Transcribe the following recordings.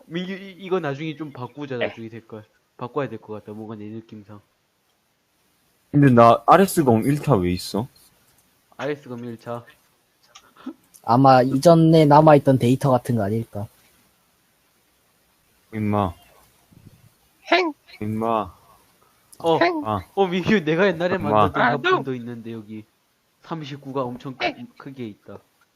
민규 이거 나중에 좀 바꾸자. 나중에 될걸. 바꿔야 될 것 같다. 뭔가 내 느낌상. 근데 나 RS검 1타 왜 있어? RS검 1차. 아마 이전에 남아있던 데이터 같은 거 아닐까. 임마. 임마. 아, 민규 내가 옛날에 엄마. 만들었던 화분도 있는데 여기 39가 엄청 크게 있다.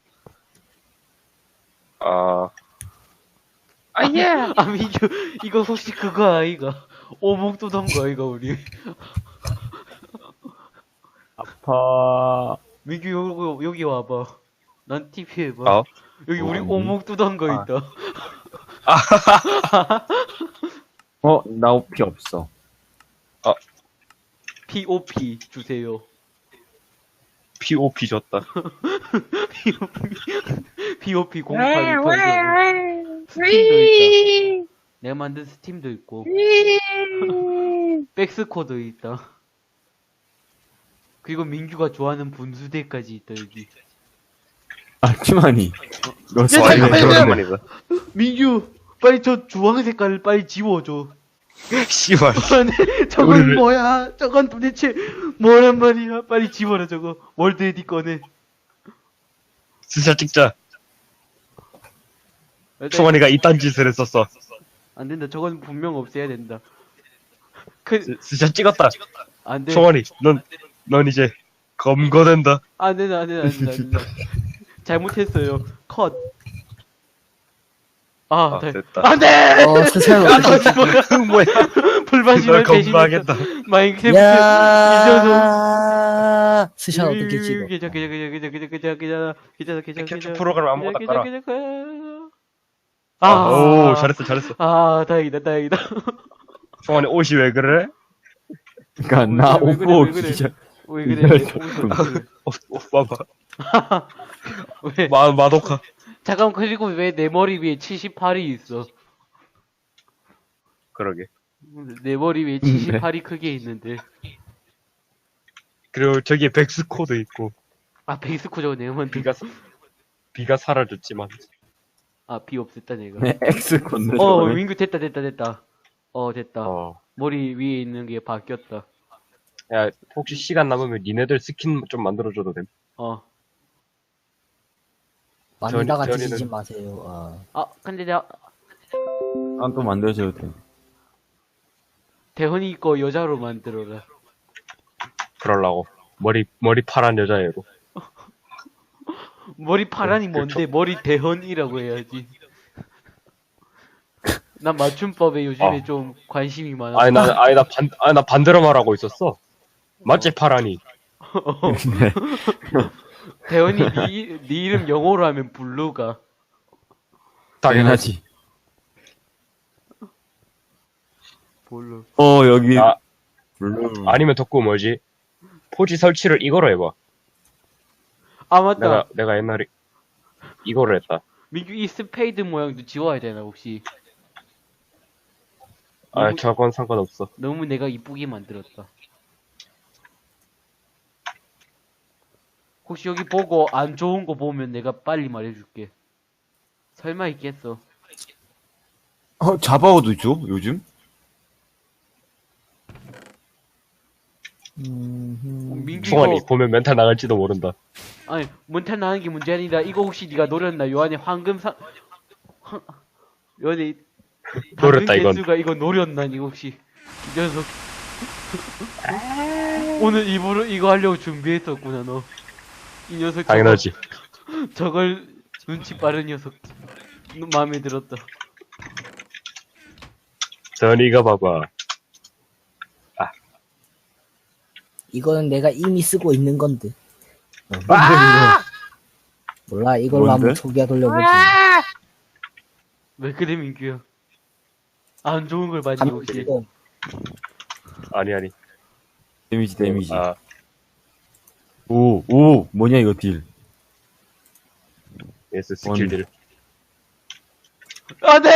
민규 이거 혹시 그거 아이가? 오목 두던 거 아이가 우리? 아파. 민규 여기 와봐. 난 TP 해봐. 여기 우리 아니. 오목 두던 거 있다. 나 피 없어. POP 주세요. POP 줬다. POP 08 스팀도 있다. 내가 만든 스팀도 있고 백스코도 있다. 그리고 민규가 좋아하는 분수대까지 있다 여기. 키마니. 너 잠깐만요. 민규 빨리 저 주황 색깔을 빨리 지워줘. 씨발. 아니, 저건 뭐야? 저건 도대체 뭐란 말이야? 빨리 지워라 저거. 월드 에디 꺼내. 진짜 찍자. 총원이가 이딴 짓을 했었어. 안 된다. 저건 분명 없애야 된다. 진짜 찍었다. 안 돼. 총원이, 넌 이제 검거된다. 안 된다. 안 된다. 안 된다. 안 된다. 잘못했어요. 컷. 됐다. 안 돼! 스스로. 뭐야? 불반심을 널 대신해서 검거하겠다. 마인크래프트 이겨서 야, 스샷 어떻게 찍어? 캡처 프로그램 아무거나 깔아. 오, 잘했어. 다행이다. 총원이 옷이 왜 그래? 그니까, 나 왜 그래, 오고, 왜 그래? 진짜. 왜 그래? 옷 봐봐. 왜? 마도카. 잠깐, 그리고 왜 내 머리 위에 78이 있어? 그러게. 내 머리 위에 78이 크게 있는데. 그리고 저기에 백스코도 있고. 베이스코 저거 내가 만든. 비가 사라졌지만. 비 없앴다, 내가. 네, X 건너. 민규 됐다. 됐다. 머리 위에 있는 게 바뀌었다. 야, 혹시 시간 남으면 니네들 스킨 좀 만들어줘도 됨? 많이다가 저리는- 뒤지지 마세요. 근데 내가, 또 만들어줘도 돼. 대헌이 거 여자로 만들어라. 그럴라고. 머리 파란 여자애로. 머리 파란이 뭔데? 머리 대헌이라고 해야지. 난 맞춤법에 요즘에 좀 관심이 많아. 나 반대로 말하고 있었어. 맞지, 파란이? 대헌이 네 이름 영어로 하면 블루가. 당연하지. 블루. 여기. 아, 블루. 아니면 덕구 뭐지? 포지 설치를 이거로 해봐. 맞다. 내가 옛날에 이거를 했다. 민규 이 스페이드 모양도 지워야 되나 혹시? 저건 상관없어. 너무 내가 이쁘게 만들었다. 혹시 여기 보고 안 좋은 거 보면 내가 빨리 말해줄게. 설마 있겠어? 자바오도 줘? 요즘? 민규 충원이 이거 보면 멘탈 나갈지도 모른다. 아니 몬탄 나는 게 문제 아니다. 이거 혹시 네가 노렸나? 요 안에 황금사 요 안에 노렸다, 이건. 개수가 이거 노렸나? 이거 혹시 이 녀석 오늘 일부러 이거 하려고 준비했었구나 너. 이 녀석 당연하지. 저걸 눈치 빠른 녀석. 마음에 들었다. 전이가 봐봐. 이거는 내가 이미 쓰고 있는 건데. 몰라, 이걸로 뭔데? 한번 초기화 돌려보지. 왜 그래 민규야? 안 좋은 걸 봤니 혹시? 아니. 데미지. 오, 뭐냐, 이거 딜. 예스 스킬들. 안돼!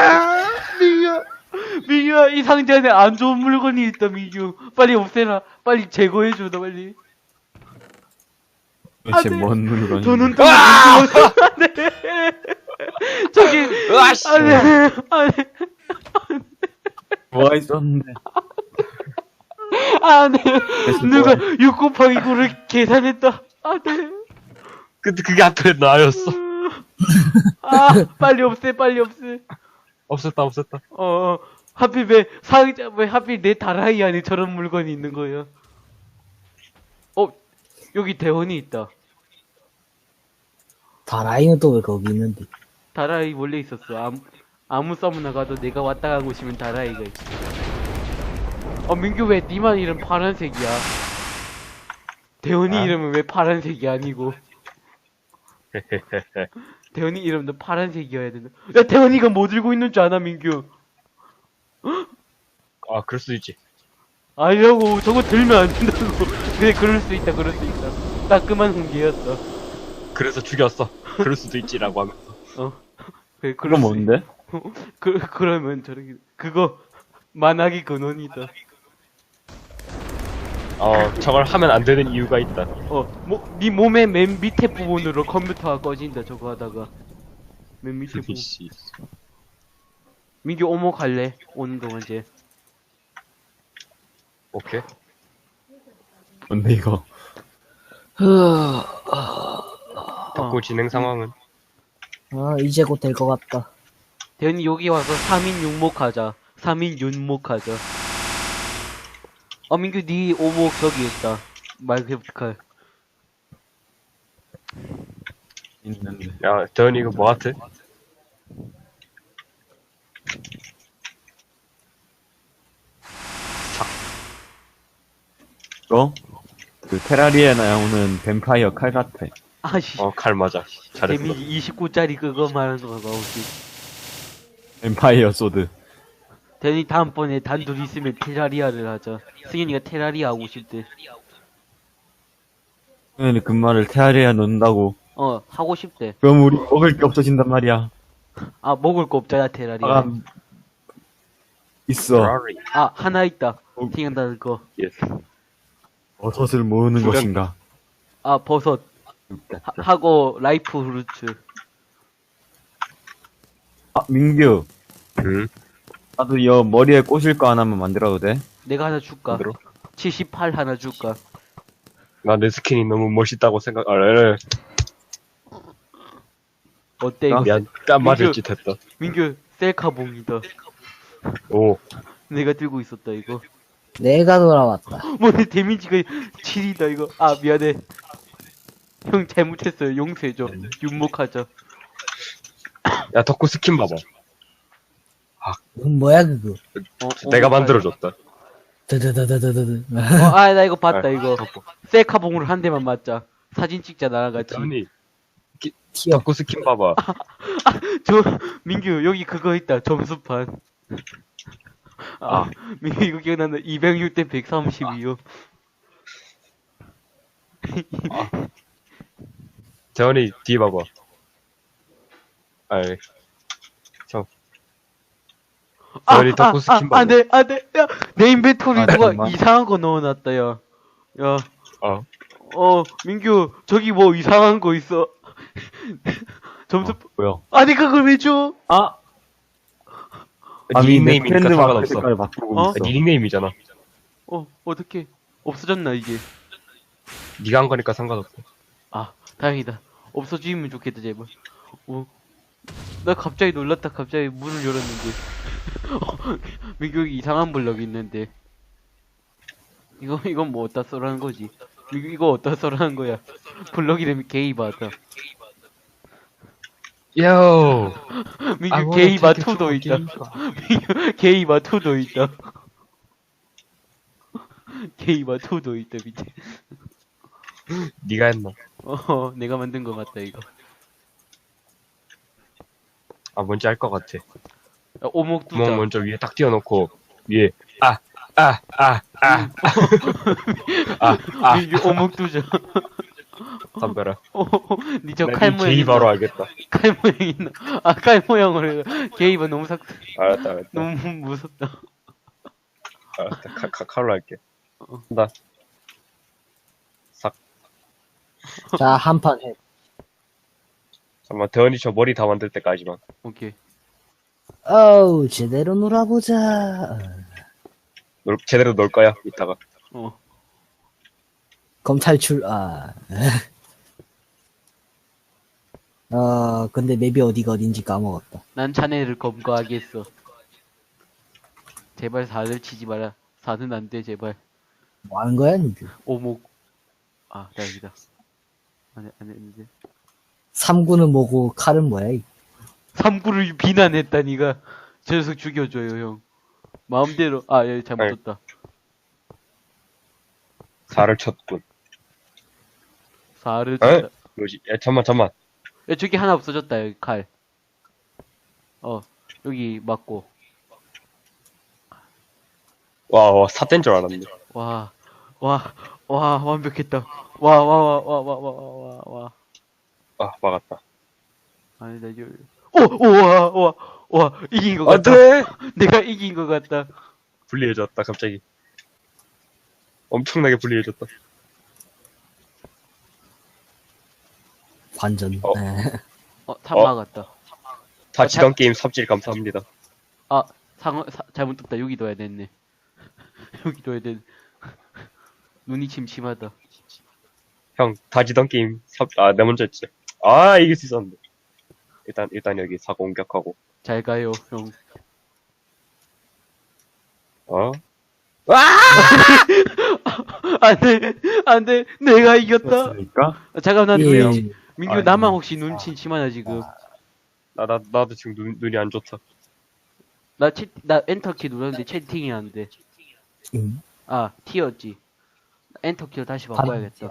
민규야 이 상자 안에 안 좋은 물건이 있다 민규. 빨리 없애라. 빨리 제거해줘 너 빨리. 도대체 돼. 뭔 물건이. 저 눈동자 안돼. 저기, 으아씨! 안해, 뭐가 있었는데. 안해. 그래서 누가 뭐야? 6 곱하기 9를 계산했다. 안해. 근데 그게 앞에 나였어. 아, 빨리 없애, 빨리 없애. 없었다. 하필 왜 하필 내 다라이 안에 저런 물건이 있는 거예요? 여기 대원이 있다. 다라이는 또 왜 거기 있는데? 다라이 원래 있었어. 아무 서무나 가도 내가 왔다 간 곳이면 다라이가 있어. 민규 왜 니만 이름 파란색이야? 대원이 아? 이름은 왜 파란색이 아니고? 대원이 이름도 파란색이어야 된다. 야, 대원이가 뭐 들고 있는 줄 아나, 민규? 아, 그럴 수도 있지. 아니라고, 저거 들면 안 된다고. 그래, 그럴 수 있다. 따끔한 훈계였어. 그래서 죽였어. 그럴 수도 있지라고 하면서. 그래, 그건 수 뭔데? 그러면 저렇게, 그거, 만학의 근원이다. 저걸 하면 안 되는 이유가 있다. 네 몸의 맨 밑에 부분으로 컴퓨터가 꺼진다, 저거 하다가. 맨 밑에 부분. 씨. 민규 오목 할래? 오는 동안 이제. 오케이. 뭔데, 이거? 덕후 진행 상황은? 이제 곧 될 것 같다. 대현이 여기 와서 3인 6목 하자. 3인 6목 하자. 민규 니 오목 저기 있다. 마이크래프트 칼. 있는데. 야, 대현이 이거 뭐 같아? 이거? 그 테라리에 나오는 뱀파이어 칼 같아. 아씨. 칼 맞아. 잘했어. 데미지 29짜리 그거 말하는 거가 혹시. 뱀파이어 소드. 대현이 다음번에 단둘 있으면 테라리아를 하자. 승현이가 테라리아 하고 싶대. 그냥 그 말을 테라리에 넣는다고. 하고 싶대. 그럼 우리 먹을 게 없어진단 말이야. 먹을 거 없잖아, 테라리아. 아, 있어. 페라리. 하나 있다. 생각나는 거. 예스. 버섯을 모으는 두명. 것인가? 버섯. 하고, 라이프 후르츠. 민규. 응? 나도 여 머리에 꽂을 거 하나만 만들어도 돼? 내가 하나 줄까? 만들어? 78 하나 줄까? 나 내 스킨이 너무 멋있다고 생각, 어때, 이거? 미안, 깜 맞을 짓 했다. 민규, 셀카봉이다. 오, 내가 들고 있었다, 이거. 내가 돌아왔다. 내 데미지가 7이다, 이거. 미안해. 형 잘못했어요. 용서해줘. 윤목하자. 야, 덕후 스킨 봐봐. 이건 뭐야 그거? 내가 만들어줬다. 드드드드드드. 나 이거 봤다, 이거. 덕후. 셀카봉으로 한 대만 맞자. 사진 찍자, 나랑 같이. 아니, 튀어. 덕후 스킨 봐봐. 민규, 여기 그거 있다. 점수판. 민규, 이거 기억난다. 206대 132요. 재원이 뒤에 봐봐. 재원이 덕후 스킨 봐봐. 안 돼. 야, 내 인벤토리 누가 잠깐만. 이상한 거 넣어놨다, 야. 야. 어. 민규, 저기 뭐 이상한 거 있어. 점수, 뭐야? 아니, 그걸 왜 줘? 닉네임이니까 팬드 마크 상관없어. 색깔 바꾸고 있어. 닉네임이잖아. 어떡해. 없어졌나, 이게? 네가 한 거니까 상관없어. 다행이다. 없어지면 좋겠다, 제발. 나 갑자기 놀랐다. 갑자기 문을 열었는데. 민규 여기 이상한 블럭이 있는데. 이건 뭐 어디다 써라는 거지? 민규 이거 어디다 써라는 거야? 블럭 이름이 게이바다. 요. 민규 게이바2도 있다. 민규 게이바2도 있다. 게이바2도 있다, 밑에. 네가 했나? 내가 만든 거 같다, 이거. 뭔지 알 것 같아. 오목 두자. 구멍 먼저 위에 딱 띄워놓고 위에 민규 오목 두자. 담벼라. 니저 나 칼 네 모양. 게이 바로 알겠다. 칼 모양 있나? 칼 모양으로 해. 게이바 너무 알았다. 너무 무섭다. 알았다. 칼로 할게. 나 자, 한 판 해. 잠깐만, 대원이 저 머리 다 만들 때까지만. 오케이. 어우, 제대로 놀아보자. 제대로 놀 거야, 이따가. 어. 검탈출, 근데 맵이 어디가 어딘지 까먹었다. 난 자네를 검거하겠어. 제발 4를 치지 마라. 4는 안 돼, 제발. 뭐 하는 거야, 니들? 오목. 아, 다행이다. 안 했는데. 3구는 뭐고, 칼은 뭐야, 이? 3구를 비난했다, 니가. 저 녀석 죽여줘요, 형. 마음대로. 아, 예, 잘못 아이. 떴다. 4를 쳤군. 4를 에? 쳤다. 뭐지? 야, 잠만. 야, 저기 하나 없어졌다, 여기 칼. 여기 맞고. 와, 사태인 줄 알았네. 와, 완벽했다. 와. 아, 막았다. 아니다, 이거. 와, 이긴 것 안 같다. 돼! 내가 이긴 것 같다. 불리해졌다, 갑자기. 엄청나게 불리해졌다. 관전. 어. 탑 막았다. 다 지던 게임 삽질 감사합니다. 아, 잘못 떴다. 여기 둬야 됐네. 여기 둬야 됐네. 눈이 침침하다. 형, 다 지던 게임 내 먼저 했지. 아, 이길 수 있었는데. 일단 여기 사고 공격하고. 잘 가요, 형. 어? 안 돼. 내가 이겼다. 그렇습니까? 잠깐만, 난 예. 눈이, 민규, 아니. 나만 혹시 눈 침침하나, 지금? 나도 지금 눈이 안 좋다. 나 엔터키 눌렀는데 채팅이 안 돼. 응? 아, T였지. 엔터키로 다시 바꿔야겠다.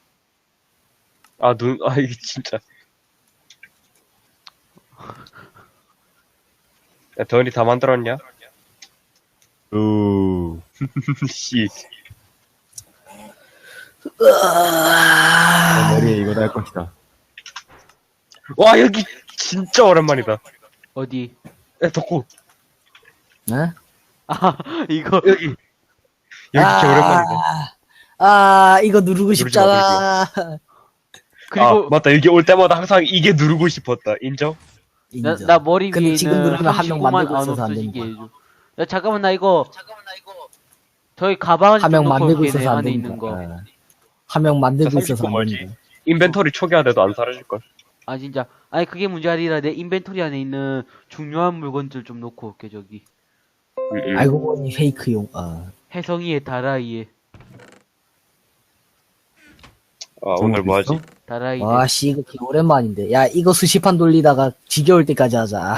이게 진짜. 야, 대원이 다 만들었냐? 씨. 내 머리에 이거 달 것이다. 와, 여기 진짜 오랜만이다. 어디? 야, 덕후. 네? 아, 이거. 여기 진짜 오랜만이다. 이거 누르고 누르지 싶잖아. 그리고, 맞다. 여기 올 때마다 항상 이게 누르고 싶었다. 인정? 인정. 나 머리 근데 위에 지금 있는 누르면 한 명 35만 만들고 안 있어서 안 없어지게 되는 해줘. 야, 잠깐만, 나 이거. 저희 가방을 한 명 좀 넣고 만들고 올게, 있어서 안 안에 되는 있는 거. 거. 한 명 만들고 자, 있어서 39 안 뭐지? 되는 거. 인벤토리 초기화돼도 안 사라질걸. 아, 진짜. 아니, 그게 문제 아니라 내 인벤토리 안에 있는 중요한 물건들 좀 놓고 올게, 저기. 알고 보니 페이크용. 혜성이의 다라이에. 오늘 뭐 하지? 다라이. 와, 씨, 이거 되게 오랜만인데. 야, 이거 수시판 돌리다가 지겨울 때까지 하자.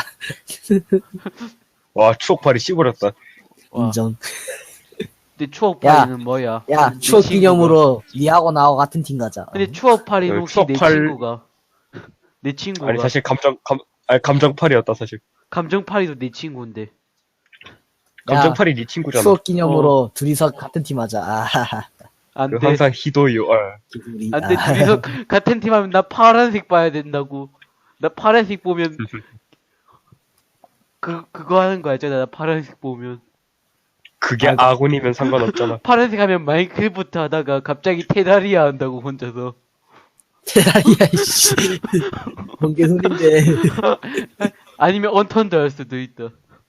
와, 추억팔이 씹어렸다. 와. 인정. 근데 추억팔이는 뭐야? 야, 내 추억 친구가. 기념으로 니하고 나하고 같은 팀 가자. 근데 추억팔이는 혹시 내 추억팔- 친구가? 내 친구가. 아니, 사실 감정팔이었다, 사실. 감정팔이도 내 친구인데. 감정팔이 네 친구잖아. 추억 기념으로 둘이서 같은 팀 하자. 안 그 돼. 항상 희도요. 우리, 안 돼. 둘이서 같은 팀 하면 나 파란색 봐야 된다고. 나 파란색 보면 그거 하는 거 알잖아. 나 파란색 보면. 그게 아군이면 상관없잖아. 파란색 하면 마인크래프트 하다가 갑자기 테라리아 한다고 혼자서. 테라리아, 씨. 뭔 개소린데. 아니면 언턴도 할 수도 있다.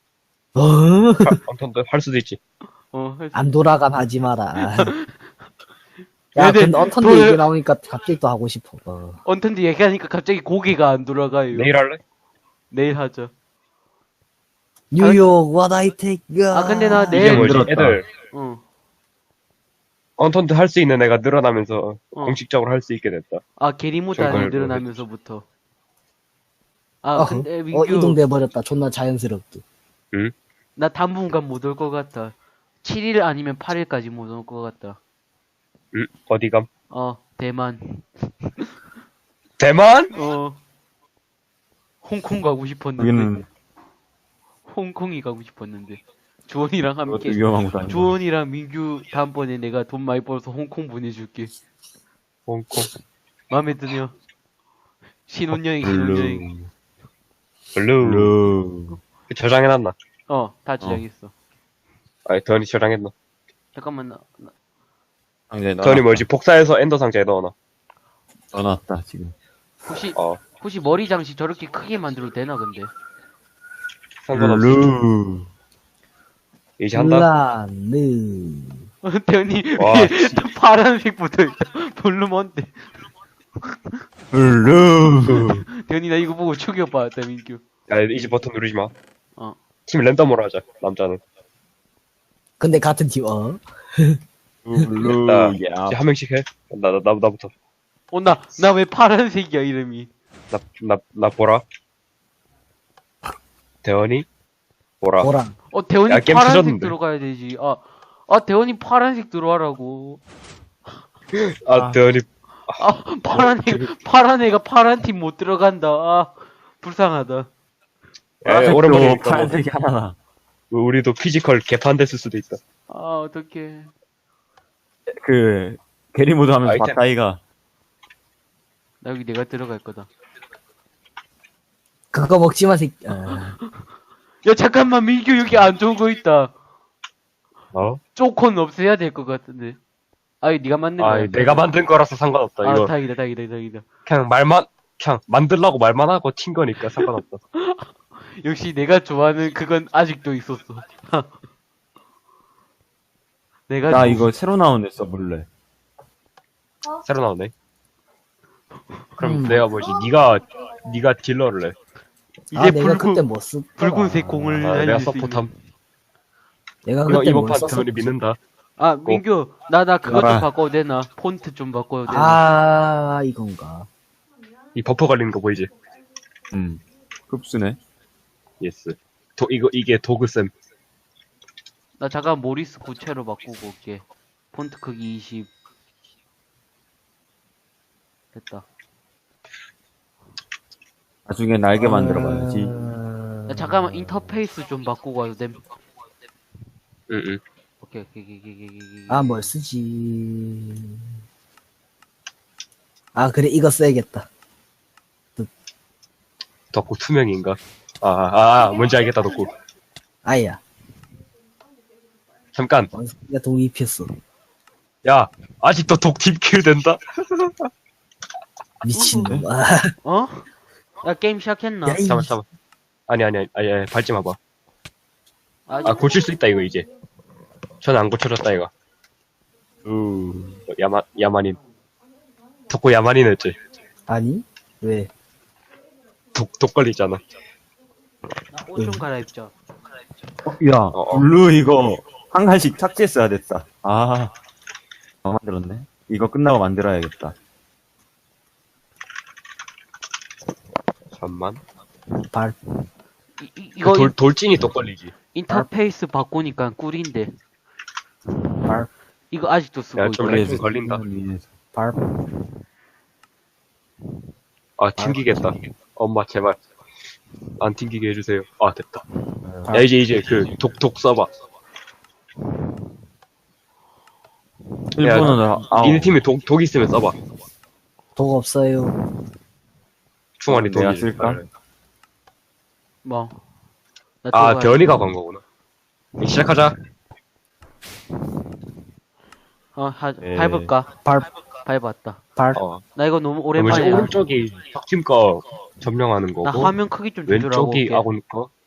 아무튼 할 수도 있지. 할 수- 안 돌아간 하지 마라. 야, 얘네 근데 언턴드 돌- 얘기 나오니까 갑자기 또 하고 싶어. 언턴도 얘기하니까 갑자기 고개가 안 돌아가요. 내일 할래? 내일 하자. 뉴욕, what I take. 아, 근데 나 이게 내일, 뭐지? 늘었다. 애들 어. 언턴트 할 수 있는 애가 늘어나면서 어. 공식적으로 할 수 있게 됐다. 아, 게리모단이 저걸 늘어나면서부터. 아, 근데 민규, 이동돼 버렸다. 존나 자연스럽게. 나 당분간 못 올 것 같다. 7일 아니면 8일까지 못 올 것 같다. 어디감? 대만. 대만? 홍콩 가고 싶었는데. 여기는 홍콩이 가고 싶었는데. 주원이랑 그것도 함께. 위험한 곳 아니야. 주원이랑 민규 다음번에 내가 돈 많이 벌어서 홍콩 보내줄게. 홍콩. 마음에 드냐? 신혼여행, 블루. 신혼여행. 블루. 블루. 저장해놨나? 다 지정했어. 아니, 더니 저장했나? 잠깐만, 상자에 더니 뭐지? 복사해서 엔더 상자에 넣어놔. 넣어놨다 지금. 혹시, 혹시 머리 장식 저렇게 크게 만들어도 되나 근데? 상관없어. 블루. 이제 한다. 블라느. 대현이 와, 위에 씨. 또 파란색 붙어있다. 볼륨 뭔데? 블루. 대현이 나 이거 보고 충격받았다 민규. 야, 이제 버튼 누르지 마. 어. 팀 랜덤으로 하자, 남자는. 근데 같은 팀, 블루. 나, 야. 이제 한 명씩 해. 나부터. 나 왜 파란색이야 이름이? 나 보라. 대원이? 보라. 보랑. 대현이 야, 게임 파란색 터졌는데. 들어가야 되지. 대현이 파란색 들어가라고. 대원이. 파란 애가 파란 팀 못 들어간다. 불쌍하다. 야, 오랜만에 파란색이 하나나. 우리도 피지컬 개판됐을 수도 있다. 어떡해. 그, 게리모드 하면서 아이템. 바까이가. 나 여기 내가 들어갈 거다. 그거 먹지 마, 새끼. 야, 잠깐만, 민규 여기 안 좋은 거 있다. 쪼콘 없애야 될 것 같은데. 이거 네가 만든 거야. 내가 만든 거라서 상관없다. 이거 다행이다. 그냥 만들라고 말만 하고 튄 거니까 상관없다. 역시 내가 좋아하는 그건 아직도 있었어. 나 이거 새로 나온 애 써볼래. 새로 나오네. 그럼 내가 뭐지? 네가 딜러를 해. 이제 내가 그때 뭐 쓰? 붉은색 공을 내가 날릴 수 서포탐. 내가 이거 그때 이번 뭘 판 썼어? 대원이 믿는다. 민규, 나 그것 좀 알아. 바꿔도 되나? 폰트 좀 바꿔도 되나? 이건가. 이 버퍼 걸리는 거 보이지? 흡수네. 예스. 이게 도그쌤. 나 잠깐 모리스 구체로 바꾸고 올게. 폰트 크기 20. 됐다. 나중에 날개 만들어봐야지. 야, 잠깐만 인터페이스 좀 바꾸고 와도 됨. 응. 오케이. 뭘 쓰지? 그래, 이거 써야겠다. 덕후 투명인가? 뭔지 알겠다, 덕후. 아야, 잠깐. 원숭이가 독입했어. 야, 아직도 독 딥킬 된다? 미친놈. 야, 게임 시작했나? 야, 이- 잠깐만. 아니, 밟지 마봐. 고칠 수 있다, 이거, 이제. 전 안 고쳐졌다, 이거. 야만인. 덕후 야만인 했지. 아니? 왜? 독 걸리잖아. 옷 좀 갈아입자. 야, 블루 이거 한 칸씩 삭제했어야 됐다. 만들었네. 이거 끝나고 만들어야겠다. 잠만. 이거 돌진이 독 걸리지. 인터페이스 바꾸니까 꿀인데. 발, 이거 아직도 쓰고 야, 있고. 좀 렉 걸린다. 발. 튕기겠다. 엄마, 제발. 안 튕기게 해주세요. 됐다. 발. 야, 이제 독 써봐. 일본어는 니네 팀에 독 있으면 써봐. 독 없어요. 충환이 독이. 내가 쓸까? 뭐. 나 들어가야 대원이가 간 거구나. 시작하자. 예. 밟을까? 발, 밟았다. 발. 나 이거 너무 뭐지, 오랜만이야. 오른쪽이 적팀 거 점령하는 나 거고, 화면 크기 좀 조절하고 왼쪽이 올게. 아군 거.